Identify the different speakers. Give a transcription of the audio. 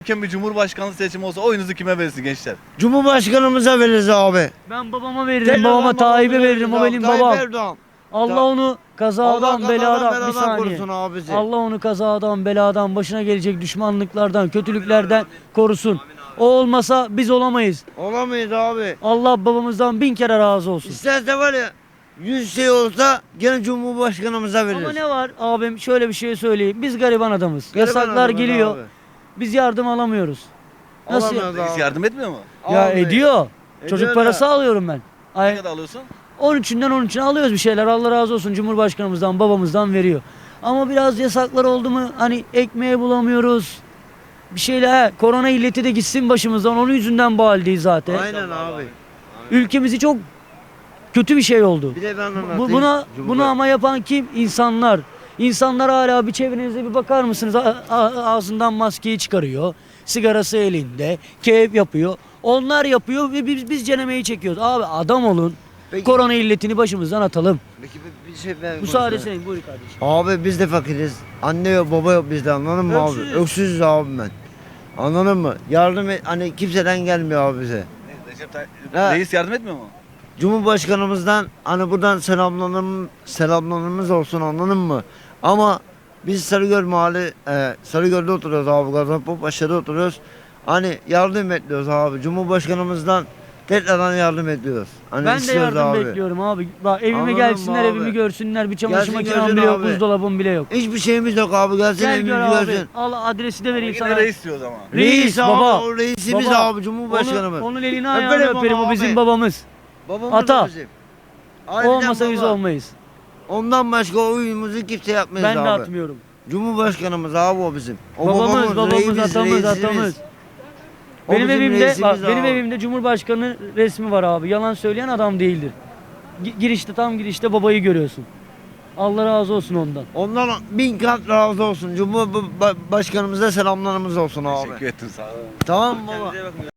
Speaker 1: Bir cumhurbaşkanlığı seçimi olsa oyunuzu kime verirsin gençler?
Speaker 2: Cumhurbaşkanımıza veririz abi.
Speaker 3: Ben babama veririm, babama Tayyip'e veririm, o benim babam.
Speaker 2: Erdoğan.
Speaker 3: Allah onu kazadan, beladan, bir
Speaker 2: beladan
Speaker 3: saniye.
Speaker 2: korusun abi bizi.
Speaker 3: Allah onu kazadan, beladan, başına gelecek düşmanlıklardan, kötülüklerden korusun. O olmasa biz olamayız.
Speaker 2: Olamayız abi.
Speaker 3: Allah babamızdan 1000 kere razı olsun.
Speaker 2: İsterse var ya 100 şey olsa gene Cumhurbaşkanımıza veririz.
Speaker 3: Ama ne var abim, şöyle bir şey söyleyeyim. Biz gariban adamız.
Speaker 2: Gariban
Speaker 3: Yasaklar
Speaker 2: adamız
Speaker 3: geliyor.
Speaker 2: abi.
Speaker 3: Biz yardım alamıyoruz. Nasıl?
Speaker 2: Alamıyoruz
Speaker 1: Reis
Speaker 2: abi.
Speaker 1: yardım etmiyor mu?
Speaker 3: Ya
Speaker 2: Abi,
Speaker 3: ediyor. Çocuk
Speaker 2: ediyor
Speaker 3: parası
Speaker 2: da.
Speaker 3: alıyorum ben.
Speaker 1: Ne
Speaker 3: Ay,
Speaker 1: kadar alıyorsun?
Speaker 3: 13'ünden 13'üne alıyoruz bir şeyler. Allah razı olsun, Cumhurbaşkanımızdan, babamızdan veriyor. Ama biraz yasaklar oldu mu hani ekmeği bulamıyoruz. Bir şeyler, korona illeti de gitsin başımızdan. Onun yüzünden bu haldeyiz zaten.
Speaker 2: Aynen abi.
Speaker 3: Ülkemizi çok kötü bir şey oldu.
Speaker 2: Bir de ben anlatayım.
Speaker 3: Bunu ama yapan kim? İnsanlar. İnsanlar hala bir çevrenize bir bakar mısınız? Ağzından maskeyi çıkarıyor. Sigarası elinde. Keyif yapıyor. Onlar yapıyor ve biz cenemeyi çekiyoruz. Abi adam olun.
Speaker 2: Peki-
Speaker 3: Korona illetini başımızdan atalım.
Speaker 2: Peki bir şey ben
Speaker 3: Müsaade
Speaker 2: konuşayım.
Speaker 3: senin, buyur kardeşim.
Speaker 2: Abi biz de fakiriz. Anne yok baba yok bizde, anladın mı abi?
Speaker 3: Öksüzüz.
Speaker 2: Öksüzüz abi ben. Anladın mı? Yardım et, hani kimseden gelmiyor abi bize.
Speaker 1: Recep
Speaker 2: Ha.
Speaker 1: Reis yardım etmiyor mu?
Speaker 2: Cumhurbaşkanımızdan hani buradan selamlarımız olsun, anladın mı? Ama biz Sarıgöl mahalle, Sarıgöl'de oturuyoruz abi, Gaziantep aşağıda oturuyoruz. Hani yardım ediyoruz abi. Cumhurbaşkanımızdan tekrardan yardım ediyoruz. Hani
Speaker 3: Ben de
Speaker 2: istiyoruz
Speaker 3: yardım
Speaker 2: abi.
Speaker 3: bekliyorum abi. Bak evime
Speaker 2: Anladın
Speaker 3: gelsinler,
Speaker 2: mı
Speaker 3: evimi
Speaker 2: abi?
Speaker 3: görsünler. Bir çamaşır
Speaker 2: Gelsin
Speaker 3: makinem
Speaker 2: görsün
Speaker 3: bile yok,
Speaker 2: abi.
Speaker 3: buzdolabım bile yok.
Speaker 2: Hiçbir şeyimiz yok abi. Gelsin
Speaker 3: Gel
Speaker 2: evimizi
Speaker 3: gör abi.
Speaker 2: görsün.
Speaker 3: Al adresi de vereyim
Speaker 1: Yine
Speaker 3: sana.
Speaker 1: reis diyoruz ama.
Speaker 3: Reis
Speaker 2: abi,
Speaker 3: baba.
Speaker 2: o reisimiz
Speaker 3: Baba.
Speaker 2: abi, Cumhurbaşkanımız.
Speaker 3: Onun elini ayağını
Speaker 2: Öperim
Speaker 3: öperim,
Speaker 2: ama
Speaker 3: o bizim
Speaker 2: abi.
Speaker 3: babamız.
Speaker 2: Babamız
Speaker 3: Ata.
Speaker 2: da bizim.
Speaker 3: O
Speaker 2: Harbiden
Speaker 3: olmasa biz
Speaker 2: baba.
Speaker 3: olmayız.
Speaker 2: Ondan başka oyunumuzu kimse yapmayız
Speaker 3: Ben
Speaker 2: abi.
Speaker 3: de atmıyorum.
Speaker 2: Cumhurbaşkanımız abi o bizim. O
Speaker 3: Babamız,
Speaker 2: reisimiz,
Speaker 3: atamız.
Speaker 2: O
Speaker 3: Benim
Speaker 2: bizim
Speaker 3: evimde
Speaker 2: reisimiz
Speaker 3: benim
Speaker 2: abi.
Speaker 3: evimde Cumhurbaşkanı resmi var abi. Yalan söyleyen adam değildir. Tam girişte babayı görüyorsun. Allah razı olsun ondan.
Speaker 2: Ondan 1000 kat razı olsun. Cumhurbaşkanımıza selamlarımız olsun abi.
Speaker 1: Teşekkür ettim sağ ol.
Speaker 2: Tamam mı baba?
Speaker 1: Kendinize iyi bakın.